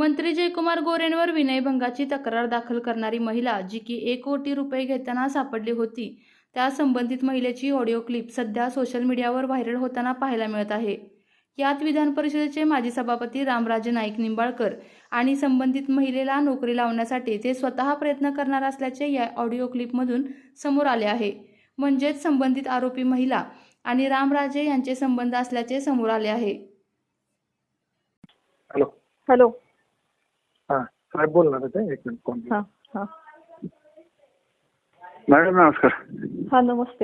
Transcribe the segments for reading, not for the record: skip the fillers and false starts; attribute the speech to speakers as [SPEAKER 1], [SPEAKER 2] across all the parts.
[SPEAKER 1] मंत्री जयकुमार गोरेंवर विनयभंगाची तक्रार दाखल करणारी महिला जी की 1 कोटी रुपये घेताना सापडली होती, त्या संबंधित महिलेची ऑडिओ क्लिप सध्या सोशल मीडियावर व्हायरल होताना पाहायला मिळत आहे. यात विधान परिषदेचे माजी सभापती रामराजे नाईक निंबाळकर आणि संबंधित महिलेला नोकरी लावण्यासाठी ते स्वतः प्रयत्न करणार असल्याचे या ऑडिओ क्लिपमधून समोर आले आहे. म्हणजेच संबंधित आरोपी महिला आणि रामराजे यांचे संबंध असल्याचे समोर आले आहे.
[SPEAKER 2] हॅलो.
[SPEAKER 3] हॅलो.
[SPEAKER 2] हां साहेब बोलणार ते एक मिनिट फोन.
[SPEAKER 3] हां हां
[SPEAKER 2] मॅडम नमस्कार.
[SPEAKER 3] हां नमस्ते.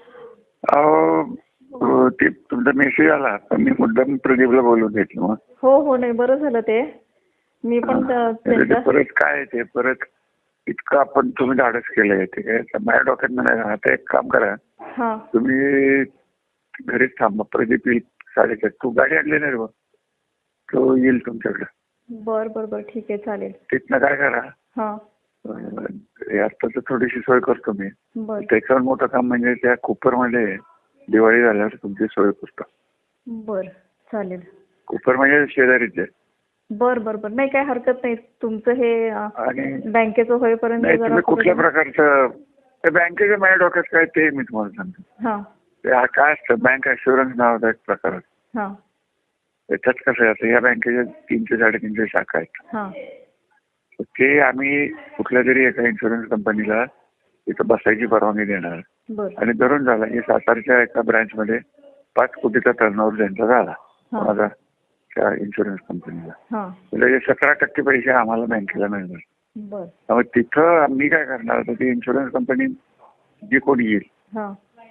[SPEAKER 2] ते तुमचा मेसेज आला तर मी मुद्दाम प्रदीपला बोलून घेतलं. मग
[SPEAKER 3] हो नाही बरं झालं ते. मी पण
[SPEAKER 2] ते परत काय ते परत इतकं आपण तुम्ही धाडस केलंय ते काय माझ्या डोक्यात नाही. आता एक काम करा,
[SPEAKER 3] हां
[SPEAKER 2] तुम्ही घरीच थांबा. प्रदीप येईल 4:30. तू गाडी आणली नाही रे बा, तो येईल तुमच्याकडे.
[SPEAKER 3] बर ठीक आहे चालेल.
[SPEAKER 2] तिथनं काय करा,
[SPEAKER 3] हां
[SPEAKER 2] आत्ताच थोडीशी सोय करतो मी.
[SPEAKER 3] बर
[SPEAKER 2] त्याच्यावर मोठं काम म्हणजे त्या कुपरमध्ये दिवाळी झाल्यावर तुमची सोय करतो.
[SPEAKER 3] बर चालेल.
[SPEAKER 2] कुपर म्हणजे शेजारीच आहे.
[SPEAKER 3] बर नाही काय हरकत नाही. तुमचं हे
[SPEAKER 2] आणि
[SPEAKER 3] बँकेचं होईपर्यंत
[SPEAKER 2] नाही
[SPEAKER 3] जरा
[SPEAKER 2] तुम्ही कुठल्या प्रकारचं त्या बँकेच्या माझ्या डोक्यात काय ते मी तुम्हाला सांगतो.
[SPEAKER 3] हां
[SPEAKER 2] ते काय असतं, बँक ॲश्युरन्स नावाचा एक प्रकार आहे.
[SPEAKER 3] हां
[SPEAKER 2] त्याच्यात कसं आहे, या बँकेच्या 300-350 शाखा आहेत.
[SPEAKER 3] हां
[SPEAKER 2] ते आम्ही कुठल्या तरी एका इन्शुरन्स कंपनीला तिथं बसायची परवानगी देणार
[SPEAKER 3] बर
[SPEAKER 2] आणि धरून झाला की सातारच्या एका ब्रँचमध्ये 5 कोटीचा टर्नओव्हर त्यांचा झाला माझा त्या इन्शुरन्स कंपनीला.
[SPEAKER 3] हां
[SPEAKER 2] त्याचे 17% पैसे आम्हाला बँकेला मिळणार.
[SPEAKER 3] बर
[SPEAKER 2] त्यामुळे तिथं आम्ही काय करणार, तर ती इन्शुरन्स कंपनी जी कोणी येईल
[SPEAKER 3] हां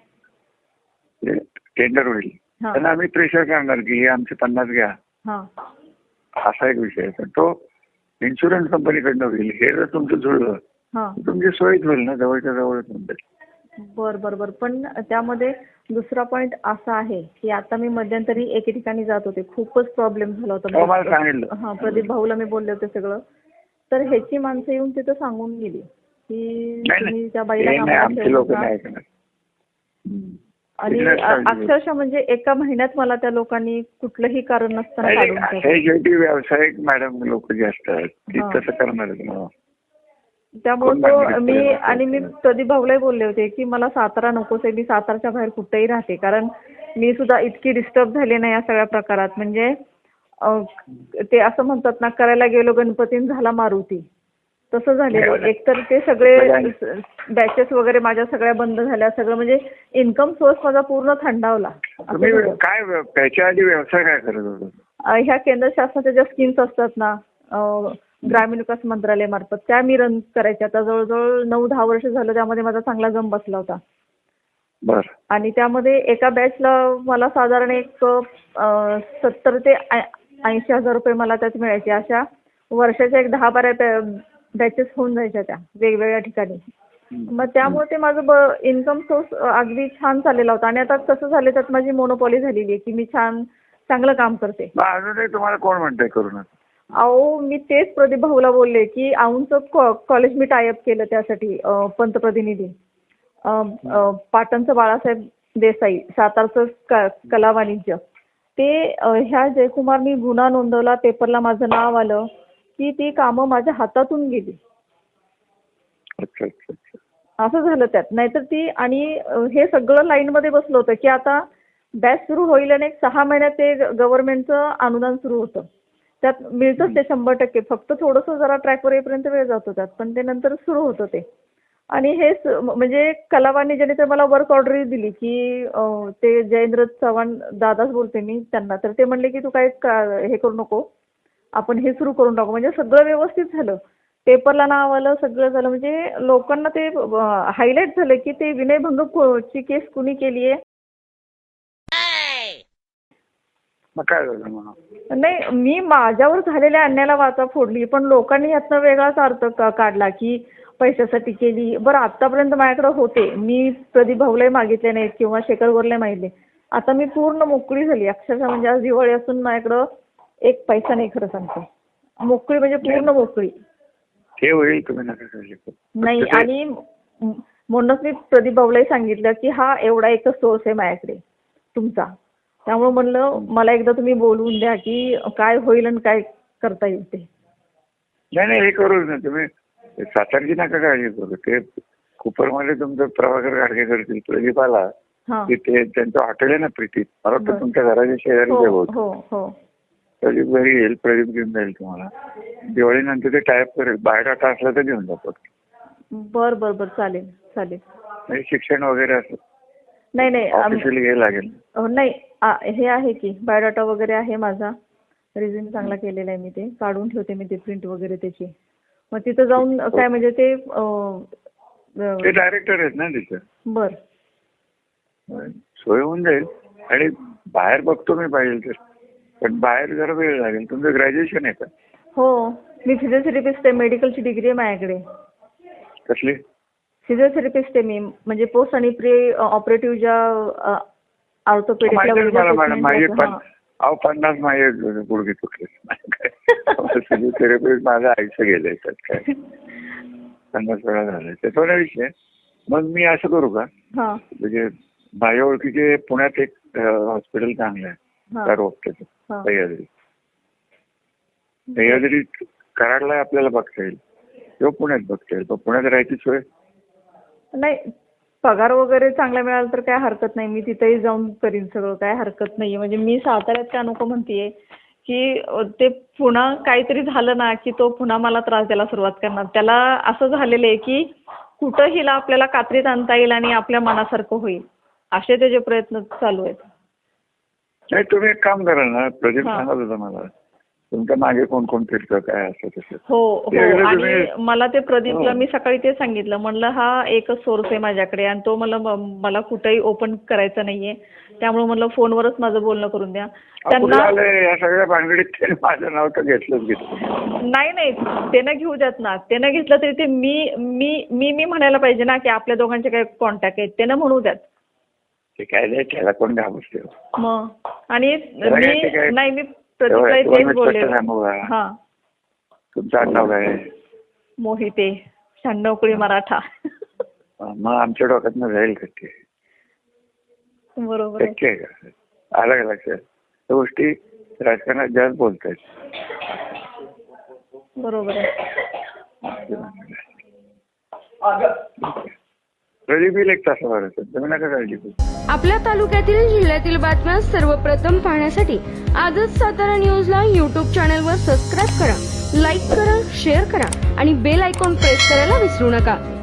[SPEAKER 2] टेंडर होईल
[SPEAKER 3] हां
[SPEAKER 2] त्यांना आम्ही प्रेशर करणार की हे आमचे 50 घ्या.
[SPEAKER 3] हां
[SPEAKER 2] असा एक विषय आहे. पण तो इन्शुरन्स कंपनीकडनं होईल. हे जर तुमचं जुळलं
[SPEAKER 3] हां
[SPEAKER 2] तुमची सोयच होईल ना, जवळच्या जवळच म्हणते.
[SPEAKER 3] बर पण त्यामध्ये दुसरा पॉइंट असा आहे की आता मी मध्यंतरी एके ठिकाणी जात होते, खूपच प्रॉब्लेम झाला होता.
[SPEAKER 2] मला सांगितलं.
[SPEAKER 3] हां प्रदीप भाऊला मी बोलले होते सगळं. तर ह्याची माणसं येऊन तिथं सांगून गेली की तुम्ही त्या बाईला कामाला ठेवू नका. आणि अक्षरशः म्हणजे एका महिन्यात मला त्या लोकांनी कुठलंही कारण नसताना काढून टाकलं.
[SPEAKER 2] व्यावसायिक मॅडम लोक जे असतात ती तसं करणार.
[SPEAKER 3] त्यामुळे मी प्रदीप भाऊलाही बोलले होते की मला सातारा नकोच आहे, मी सातारच्या बाहेर कुठेही राहते. कारण मी सुद्धा इतकी डिस्टर्ब झाले नाही या सगळ्या प्रकारात. म्हणजे ते असं म्हणतात ना, करायला गेलो गणपतीन झाला मारुती, तसं झालेलं. एकतर ते सगळे बॅचेस वगैरे माझ्या सगळ्या बंद झाल्या. सगळं म्हणजे इन्कम सोर्स माझा पूर्ण थंडावला.
[SPEAKER 2] काय त्याच्या आधी व्यवसाय काय करत होता?
[SPEAKER 3] ह्या केंद्र शासनाच्या ज्या स्कीम्स असतात ना, ग्रामीण विकास मंत्रालयामार्फत, त्या मी रन करायच्या. आता जवळजवळ 9-10 वर्ष झालं त्यामध्ये माझा चांगला जम बसला होता.
[SPEAKER 2] बर. आणि
[SPEAKER 3] त्यामध्ये एका बॅचला मला साधारण एक 70 ते 80 हजार रुपये मला त्यात मिळायचे. अशा वर्षाच्या एक 10-12 बॅचेस होऊन जायच्या त्या वेगवेगळ्या ठिकाणी. मग त्यामुळे ते माझं इन्कम सोर्स अगदी छान चाललेला होता. आणि आता कसं झालं, त्यात माझी मोनोपॉली झालेली आहे की मी चांगलं काम करते.
[SPEAKER 2] अजूनही तुम्हाला कोण म्हणतंय करू नका?
[SPEAKER 3] अहो मी तेच प्रदीप भाऊला बोलले की औंधचं कॉलेज मी टायअप केलं त्यासाठी. पंतप्रतिनिधी पाटणचं बाळासाहेब देसाई, सातारचं कला वाणिज्य, ते ह्या जयकुमारनी गुन्हा नोंदवला, पेपरला माझं नाव आलं की ती कामं माझ्या हातातून गेली.
[SPEAKER 2] अच्छा.
[SPEAKER 3] असं झालं त्यात. नाहीतर ती, आणि हे सगळं लाईनमध्ये बसलं होतं की आता बॅच सुरू होईल आणि 6 महिन्यात ते गव्हर्नमेंटचं अनुदान सुरू होतं. त्यात मिळतंच ते 100%. फक्त थोडंसं जरा ट्रॅकवर येईपर्यंत वेळ जातो त्यात, पण ते नंतर सुरू होतं ते. आणि हेच म्हणजे कला वाणिज्याने तर मला वर्क ऑर्डर दिली की ते जयेंद्र चव्हाण दादाच बोलते मी त्यांना. तर ते म्हणले की तू काय हे करू नको, आपण हे सुरू करून टाकू. म्हणजे सगळं व्यवस्थित झालं, पेपरला नाव आलं, सगळं झालं. म्हणजे लोकांना ते हायलाईट झालं की ते विनयभंगची केस कुणी केली आहे.
[SPEAKER 2] मग काय झालं म्हणा?
[SPEAKER 3] नाही, मी माझ्यावर झालेल्या अन्यायाला वाचा फोडली, पण लोकांनी यातनं वेगळाच अर्थ काढला की पैशासाठी केली. बरं, आतापर्यंत माझ्याकडे होते, मी प्रदीप भाऊलाही मागितले नाहीत किंवा शेखर गोरले मागितले. आता मी पूर्ण मोकळी झाली अक्षरशः. म्हणजे आज दिवाळी असून माझ्याकडं एक पैसा नाही, खरं सांगतो. मोकळी म्हणजे पूर्ण मोकळी.
[SPEAKER 2] हे होईल, तुम्ही नका काळजी करू.
[SPEAKER 3] नाही, आणि म्हणूनच मी प्रदीप भाऊलाही सांगितलं की हा एवढा एकच सोर्स आहे माझ्याकडे तुमचा. त्यामुळे म्हणलं मला एकदा तुम्ही बोलवून द्या की काय होईल आणि काय करता येईल ते.
[SPEAKER 2] नाही हे करूच ना तुम्ही. सातारची नका काळजी करू. ते कुपरमध्ये तुमचं प्रभाकर गाडगे करतील. प्रदीप आला
[SPEAKER 3] हा.
[SPEAKER 2] की ते त्यांचं हॉटेल आहे ना प्रीतीत, मला वाटतं तुमच्या घराच्या शेजारी
[SPEAKER 3] हो
[SPEAKER 2] होत.
[SPEAKER 3] हो हो.
[SPEAKER 2] प्रदीप घरी येईल, प्रदीप घेऊन जाईल तुम्हाला. दिवाळीनंतर ते टाईप करेल. बायोडाटा असला तर घेऊन जातो.
[SPEAKER 3] बर बर बर, चालेल चालेल.
[SPEAKER 2] म्हणजे शिक्षण वगैरे असं
[SPEAKER 3] नाही नाही
[SPEAKER 2] ऑफिशियली घ्यायला लागेल.
[SPEAKER 3] नाही हे आहे की बायोडाटा वगैरे आहे माझा. रिझ्यूम चांगला केलेला आहे मी. ते काढून ठेवते मी, ते प्रिंट वगैरे त्याची. मग तिथं जाऊन काय म्हणजे ते
[SPEAKER 2] ते डायरेक्टर आहेत ना तिथं.
[SPEAKER 3] बर.
[SPEAKER 2] सोय होऊन जाईल. आणि बाहेर बघतो मी पाहिजे तर, पण बाहेर जरा वेळ लागेल. तुमचं ग्रॅज्युएशन आहे का?
[SPEAKER 3] हो, मी फिजिओथेरपिस्ट आहे. मेडिकलची डिग्री आहे माझ्याकडे.
[SPEAKER 2] कसली?
[SPEAKER 3] फिजिओथेरपिस्ट आहे मी. म्हणजे पोस्ट आणि प्री ऑपरेटिव्ह ज्या ऑर्थोपेडिकला
[SPEAKER 2] अहो 50 माझे गुडघे तुटले. फिजिओथेरपी माझं आयुष्य गेलंय त्यात काय 50 वेळा झालंय. त्याचा नाही विषय. मग मी असं करू का, म्हणजे माझ्या ओळखीचे पुण्यात एक हॉस्पिटल चांगलं आहे त्या रोगच्याचं, सह्याद्री कराडला आपल्याला बघता येईल किंवा पुण्यात बघता येईल. पण पुण्यात राहायची सोय
[SPEAKER 3] नाही. पगार वगैरे चांगला मिळाला तर काय हरकत नाही. मी तिथेही जाऊन करीन सगळं, काय हरकत नाहीये. म्हणजे मी साताऱ्यात का नको म्हणतेय की ते पुन्हा काहीतरी झालं ना की तो पुन्हा मला त्रास द्यायला सुरुवात करणार. त्याला असं झालेलं आहे की कुठं हिला आपल्याला कात्रीत आणता येईल आणि आपल्या मनासारखं होईल, असे त्याचे प्रयत्न चालू आहेत.
[SPEAKER 2] नाही, तुम्ही एक काम करा ना, प्रदीप सांगत होता मला तुमच्या मागे कोण कोण फिरतं काय असं तसं.
[SPEAKER 3] हो हो. आणि मला ते प्रदीपला मी सकाळी ते सांगितलं, म्हणलं हा एकच सोर्स आहे माझ्याकडे आणि तो मला कुठेही ओपन करायचा नाहीये, त्यामुळे म्हणलं फोनवरच माझं बोलणं करून द्या.
[SPEAKER 2] त्यांना या सगळ्या भानगडीत माझं नाव तर घेतलं
[SPEAKER 3] नाही त्यानं घेऊ द्यात ना. त्यानं घेतलं तरी ते मी म्हणायला पाहिजे ना की आपल्या दोघांचे काही कॉन्टॅक्ट आहेत, त्यानं म्हणू द्यात.
[SPEAKER 2] ते काय नाही, त्याला कोण घाबरते
[SPEAKER 3] मग. आणि मी प्रदीपला तेच बोलले. हा,
[SPEAKER 2] तुमचं आडनाव काय?
[SPEAKER 3] मोहिते, 96 मराठा.
[SPEAKER 2] मग आमच्या डोक्यातनं जाईल का ते?
[SPEAKER 3] बरोबर
[SPEAKER 2] शक्य आहे का? आलं का लक्षात? त्या गोष्टी राजकारणात जास्त बोलतायत.
[SPEAKER 3] बरोबर आहे.
[SPEAKER 2] प्रदीप येईल 1 तासाभर. तुम्ही नका काळजी करू.
[SPEAKER 4] आपल्या तालुक्यातील जिल्ह्यातील बातम्या सर्वप्रथम पाहण्यासाठी आजच सातारा न्यूजला YouTube चॅनलवर सबस्क्राईब करा, लाईक करा, शेअर करा आणि बेल आयकॉन प्रेस करायला विसरू नका.